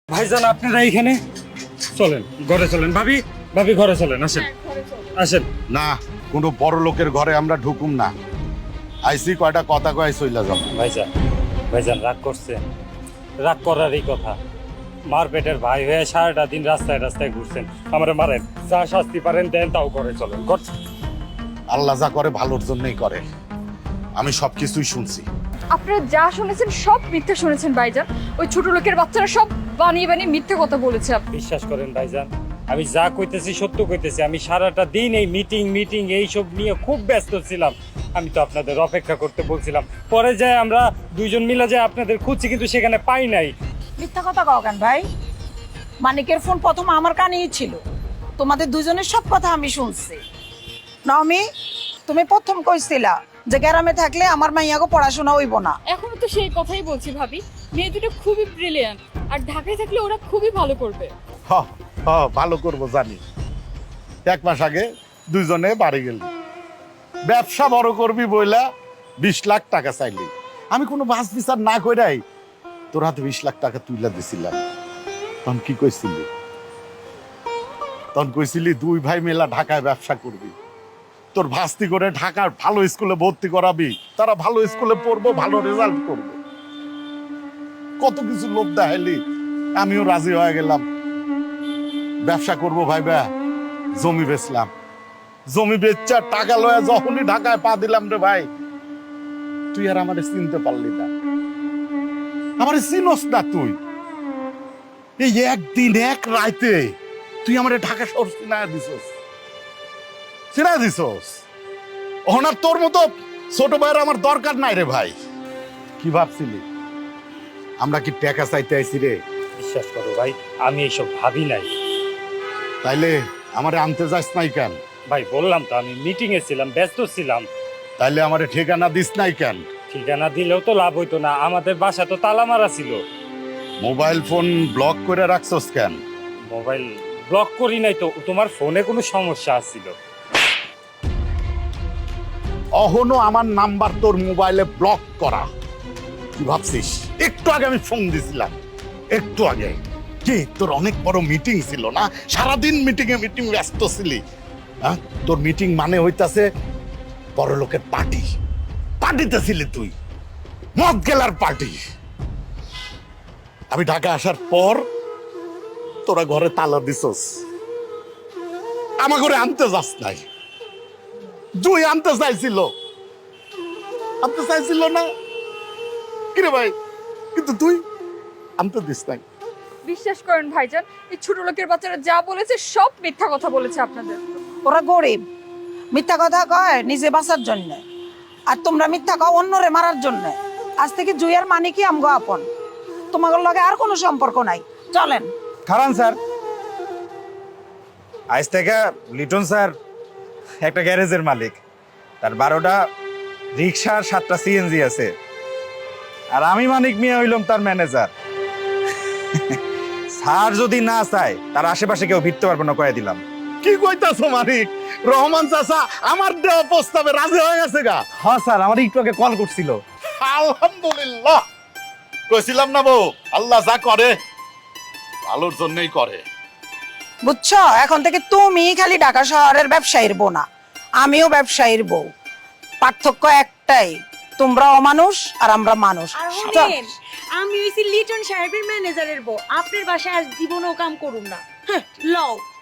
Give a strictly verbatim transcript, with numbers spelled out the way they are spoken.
ভাইজান আপনারা এইখানে চলেন, ঘরে চলেন। ভাবি ভাবি ঘরে চলেন, আসেন আসেন। না, কোনো বড় লোকের ঘরে আমরা ঢুকুম না। আইসি কয়টা কথা কয় চইলা যাব। ভাইজান ভাইজান রাগ করছেন? রাগ করারই কথা। মার পেটের ভাই হয়ে সারাটা দিন রাস্তায় রাস্তায় ঘুরছেন, আমারে মারেন, যা শাস্তি পারেন দেন, তাও করে চলেন। ঘর আল্লাহ যা করে ভালোর জন্যই করে। আমি সবকিছুই শুনছি। আপনারা যা শুনেছেন সব মিথ্যা শুনেছেন ভাইজান। ওই ছোট লোকের বাচ্চারা সব বানিয়ে বানিয়ে মিথ্যে কথা বলেছে। আপনি বিশ্বাস করেন ভাইজান, আমি যা কইতেছি সত্য কইতেছি। আমি সারাটা দিন এই মিটিং মিটিং এইসব নিয়ে খুব ব্যস্ত ছিলাম। আমি তো আপনাদের অপেক্ষা করতে বলছিলাম, পরে যায় আমরা দুইজন মিলে যায় আপনাদের খুঁজছি, কিন্তু সেখানে পাই নাই। মিথ্যা কথা কও কেন ভাই? মানিকের ফোন প্রথম আমার কানেই ছিল। তোমাদের দুজনের সব কথা আমি শুনছি। নমি, তুমি প্রথম কইছিলা যে গ্রামে থাকলে আমার মাইয়াকে পড়াশোনা হইব না। এখনো তো সেই কথাই বলছি ভাবি। মেয়ে দুটো খুবই ব্রিলিয়ান্ট, আর ঢাকায় থাকলে ওরা খুবই ভালো করবে। হ হ ভালো করব জানি। এক মাস আগে দুইজনে বাড়ি গেল। ব্যবসা বড় করবি বইলা বিশ লাখ টাকা চাইলি। আমি কোনো বাস বিচার না কইরাই তোর হাতে বিশ লাখ টাকা তুইলা দিছিলাম। তখন কি কইছিলি? তখন কইছিলি দুই ভাই মেলা ঢাকায় ব্যবসা করবি, তোর ভাস্তি করে ঢাকার ভালো স্কুলে ভর্তি করাবি, তারা ভালো স্কুলে পড়বো, ভালো রেজাল্ট করবো। কত কিছু লোভ দেখাইলি, আমিও রাজি হয়ে গেলাম। ব্যবসা করবো ভাইবা জমি বেচলাম। জমি বেচা টাকা লয়া যখনই ঢাকায় পা দিলাম রে ভাই, তুই আর আমারে চিনতে পারলি না। আমারে চিনস না তুই। এই একদিন এক রাইতে তুই আমারে ঢাকা শহর চিনায় দিছস, চিনায় দিছস। ওনার তোর মতো ছোট ভাইয়ের আমার দরকার নাই রে ভাই। কি ভাবছিলি আমরা কি টাকা চাইতে আইছি রে? বিশ্বাস করো ভাই, আমি এইসব ভাবি নাই। তাইলে আমারে আনতে যাস নাই কেন? ভাই বললাম তো আমি মিটিং এ ছিলাম, ব্যস্ত ছিলাম। তাইলে আমারে ঠিকানা দিস নাই কেন? ঠিকানা দিলেও তো লাভ হইতো না, আমাদের বাসা তো তালা মারা ছিল। মোবাইল ফোন ব্লক করে রাখছস কেন? মোবাইল ব্লক করি নাই তো, তোমার ফোনে কোনো সমস্যা আছিল। অহনো আমার নাম্বার তোর মোবাইলে ব্লক করা। কি ভাবছিস? একটু আগে আমি ফোন দিছিলাম, একটু আগে। কি তোর অনেক বড় মিটিং ছিল না? সারাদিন মিটিং এ মিটিং ব্যস্ত ছিলি। হ্যাঁ, তোর মিটিং মানে হইতাছে বড় লোকের পার্টি। পার্টিতে ছিলি তুই, মদ গেলার পার্টি। আমি ঢাকা আসার পর তোরা ঘরে তালা দিছস, আমার ঘরে আনতে যাস নাই। জুই আনতে চাইছিল, আনতে চাইছিল না কিরে ভাই, কিন্তু তুই আনতে দিস নাই। বিশ্বাস করেন ভাইজান, এই ছোট লোকের বাচ্চারা যা বলেছে সব মিথ্যা কথা বলেছে আপনাদের। ওরা গরিব, মিথ্যা কথা কয় নিজে বাঁচার জন্য, আর তোমরা মিথ্যা কও অন্যরে মারার জন্য। আজ থেকে জুই আর মানিকই আমগো আপন, তোমাদের লগে আর কোনো সম্পর্ক নাই। চলেন। খারান স্যার, আজ থেকে লিটন স্যার একটা গ্যারেজের মালিক। তার বারোটা রিক্সা আর সাতটা সিএনজি আছে, আর আমি মানিক মিয়া হইলাম তার ম্যানেজার। স্যার যদি না চায় তার আশেপাশে কেউ ভিড়তে পারবে না, কয়ে দিলাম। কি কইতাছো মানিক? রহমান চাচা আমার দেওয়া প্রস্তাবে রাজি হয়ে গেছে গা? হ্যাঁ স্যার, আমার একটু আগে কল করছিল। আলহামদুলিল্লাহ। কইছিলাম না বউ, আল্লাহ যা করে ভালোর জন্যই করে। বুঝছো, এখন থেকে তুমি খালি ঢাকা শহরের ব্যবসায়ীর বউ না, আমিও ব্যবসায়ীর বউ। পার্থক্য একটাই, তোমরা অমানুষ আর আমরা মানুষ। আর চল। হোনেন, আমি হইছি লিটন সাহেবের ম্যানেজারের বউ। আপনার বাসায় আর জীবনও কাম করুম না। হ্যাঁ, লও।